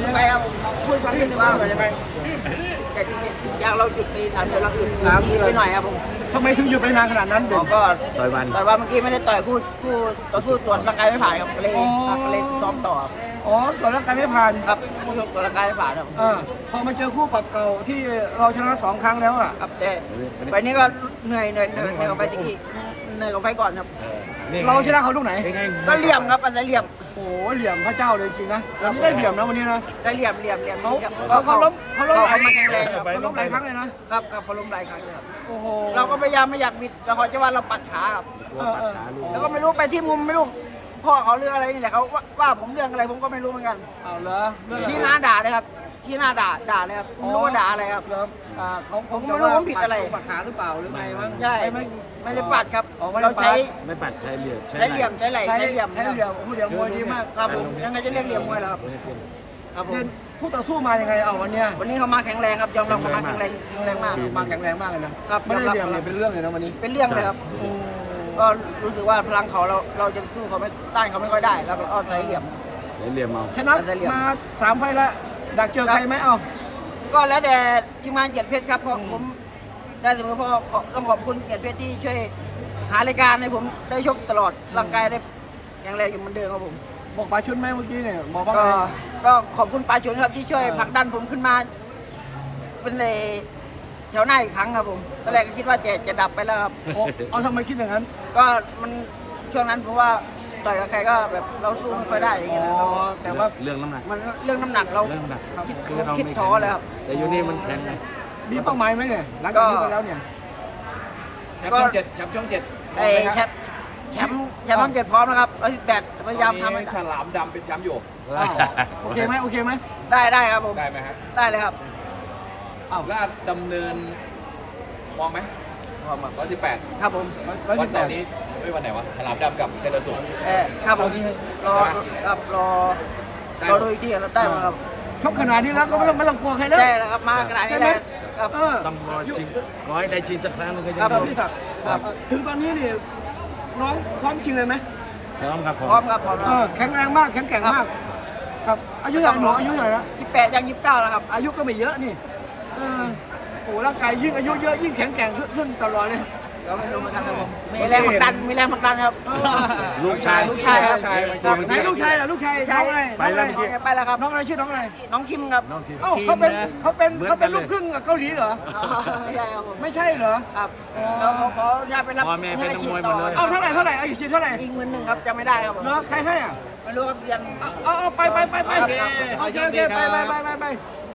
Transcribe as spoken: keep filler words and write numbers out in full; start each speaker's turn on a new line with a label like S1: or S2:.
S1: ไปครับผมพูดฟังนิดนึงว่ายังไงแต่จริงๆอย่างเราจุดไปสามเดือนเราหยุดสามเดือนไปหน่อยครับผม
S2: ทำไมถึงหยุดไปนานขนาดนั้น
S1: ผ
S2: เด็ก
S1: มก็
S3: ต่อยวัน
S1: ต่อยว่าเมื่อกี้ไม่ได้ต่อยคู่คู่ต่อสู้ตรวจร่างกายไม่ผ่านครับก็เลยก็เลยซ้อมต่อ
S2: อ๋อตรวจร่างกายไม่ผ่าน
S1: ครับคู่ชกตรวจร่างกายไม่ผ่านครับ
S2: อ่าพอมาเจอคู่ปรับเก่าที่เราชนะสองครั้งแล้วอ่ะ
S1: ครับแต่ไฟนี้ก็เหนื่อยเหนื่อยเหนื่อยเหนื่อยกว่าไฟตะกี้เหนื่อยกว่าไฟก่อนครับ
S2: เราชนะเขาลูกไหน
S1: ก็เหลี่ยมครับอันนั้นเหลี่ยม
S2: โอ้โหเหลี่ยมพระเจ้าเลยจริงนะวันนี้ได้เหลี่ยมนะวันนี้นะ
S1: ได้เหลี่ยมเหลี่ยมเหลี่ยม
S2: เขา
S1: ครับ
S2: เขาเขาล้มเขาล้มหลาย
S1: เขามาแข็งแรงครับ
S2: เขาล้มหลายครั้งเลยนะครับ
S1: ครับเขาล้มหลายครั้งเลยครับ
S2: โอ้โห
S1: เราก็พยายามไม่อยากบิดแต่เขาจะว่าเราปัดขาครับ
S3: กลัวปัดขาลูก
S1: แล้วก็ไม่รู้ไปที่มุมไม่รู้พ่อเขาเรื่องอะไรนี่แหละเขาว่าว่าผมเรื่องอะไรผมก็ไม่รู้เหมือนกัน
S2: เอาเหรอเรื่องอะไร
S1: ชี้หน้าด่าเลยครับชี้หน้าด่าด่าเลยครับผมไม่รู้ว่าด่าอะไรครับ
S2: เหรออ่าเขา
S1: ผมไม่รู้ว่าผมผิดอะไร
S2: ปัดขาหรือเปล่าหรือไงมั้ง
S1: ใช่
S2: ไม่
S1: ไม่ได้ปัดครับ
S2: อ๋อไม่ได้
S1: เรา
S2: ปัด
S1: ใช้
S3: ไม่ปัดใช้เหลี่ยม
S1: ใช้เหลี่ยมใช้ไหล่
S2: ใช้
S1: ใช้เหลี่ยม
S2: ใช้เหลี่ยมโอ้โหเหลี่ยมมวยดีมาก
S1: ครับผมยังไงจะเรียกเหลี่ยมมวยแล้วครับครับผม
S2: เด่นคู่ต่อสู้มายังไงเอาวันเนี้ย
S1: วันนี้เขามาแข็งแรงครับยอมรับเขามาแข็งแรงแข็งแรงมาก
S2: มาแข็งแรงมากเลยนะครับ ไม่ได้
S1: ยอมรับ
S2: เหลี่ยมเลยเป็นเรื่องเลยนะวันนี้
S1: เป็นเรื่องเลยครับก็รู้สึกว่าพลังเขาเราเราจะสู้เขาไม่ต้านเขาไม่ค่อยได้แล้วก็เอาใส่เหลี่ยม
S3: เหลี่ยมเอา
S2: ชนะมาสามไฟล์แล้วอยากเจอใครไหมเอา
S1: ก็แล้วแต่ทีมงานเกียรติเพชรครับเพราะผมได้เสมอเพราะขอต้องขอบคุณเกียรติเพชรที่ช่วยหารายการให้ผมได้ชกตลอดร่างกายได้แข็งแรงอยู่เหมือนเดิมครับผม
S2: บอกปลาชุนไหมเมื่อกี้เนี่ยบอกว่า
S1: ก็
S2: ไง
S1: ก็ขอบคุณปาชุนครับที่ช่วยผลักดันผมขึ้นมา เป็นเลยแถวหน้าอีกครั้งครับผมตอนแรกก็คิดว่าจะจะดับไปแล้วครับ
S2: โอ้เอาทำไมคิดอย่างนั้น
S1: ก็มันช่วงนั้นผมว่าต่อยกับใครก็แบบเราสู้ไม่ค่อยได้อย่าง
S2: อ๋
S1: เงี้ยนะ
S2: อแต่ว่า
S3: เรื่องน้ำหนัก
S1: มันเรื่องน้ำหนักเรา
S3: เรื่องน้ำหนัก
S1: คิด
S3: คือเรา
S1: คิด
S3: ไม่
S1: ท้อเลยครับ
S3: แต่อยู่นี่มันแข็งไง
S2: มีเป้าหมายไหมเนี่ยหลังจากนี้ไปแล้วเนี่ย
S4: แชมป์ช่องเจ็ดแชมป์ช่องเจ็ด
S1: ไอ้แชมป์แชมป์แชมป์ต้องเจ็ดพร้อมนะครับร้อยสิบแปดพยายามทำให้
S4: ฉลามดำเป็นแชมป์อยู่
S2: อ้าวโอเคไหมโอเคไหม
S1: ได้ได้ครับผม
S4: ได้ไหมฮะ
S1: ได้เลยครับ
S4: อ้าวลาดดำเนินมองไหมร้อยสิบแปด
S1: ครับผม
S2: ร้อย
S4: วั
S2: สิ
S4: น
S2: บแป
S4: เสา
S2: ด
S4: ร์นี้เฮ้ยวันไหนวะฉลามดำกับเจริญสุข
S1: เออครับผมรอครับรอรอดูอีกทีแล้วได้ไหมครับ
S2: ชกขนาดนี้แล้วก็ไม่ต้องไม่ต้องกลัวใครแล้ว
S1: ได้แล้วครับมาขนาดนี้แล้วครับ
S2: เออ
S3: ต้องรอจริงขอให้ได้จริงสักครั้งหนึงก็จะ
S1: ครับ
S2: ครับ
S3: ดี
S2: พี่ศักดิ์ครับถึงตอนนี้นี่น้องพร้อมจริงเลยไหม
S3: พร้อมครับผม
S1: พร้อมครับพร้อม
S2: เออแข็งแรงมากแข็งแกร่งมาก ครับอายุเท่าไหร่หนูอายุเท่าไหร่แล้ว
S1: ยี่สิบแปดยังยี่สิบเก้าแล้วครับ
S2: อายุก็ไม่เยอะนี่เออโอ้ร่างกายยิ่งอายุเยอะยิ่งแข็งแกร่งขึ้นตลอดเลย
S1: เราไม่รู้เหมือนกันครับผมมีแรงผลักดันมีแรงผลักดันครับ
S3: ลูกชาย
S1: ลูกชายครับ
S4: ชาย
S1: ครับ
S2: ไหนลูกชายล่ะลูกชาย
S1: ใช่
S2: น้องอะไร
S3: ไปแล้วเมื่อกี้
S1: ไปแล้วครับ
S2: น้องอะไรชื่อน้องอะไร
S1: น้องคิมครับ
S3: น้องทีม
S2: เอ้าเขาเป็นเขาเป็น
S3: เหมือน
S2: เขาเป็น
S3: กันเลย
S2: ลูกครึ่งกับเกาหลีเหรอ
S1: อ๋อไม่ใช่ครับผม
S2: ไม่ใช่เหรอ
S1: ครับเราขออนุญาตไปรับ
S3: พ่อแม่เป็นนักมวยหมดเลย
S2: เอาเท่าไหร่เท่าไหร่เอาอีกชิ้นเท่าไหร่
S1: อีกหมื่นหนึ่งครับจำไม่ได้ครับผม
S2: เหรอใครให้อ่ะ
S1: ไม่รู้ครับเซียน
S2: เอาเอาเอาไปไปไปไป
S1: ครับ
S2: โอเคโอเคไปไปไปไปไป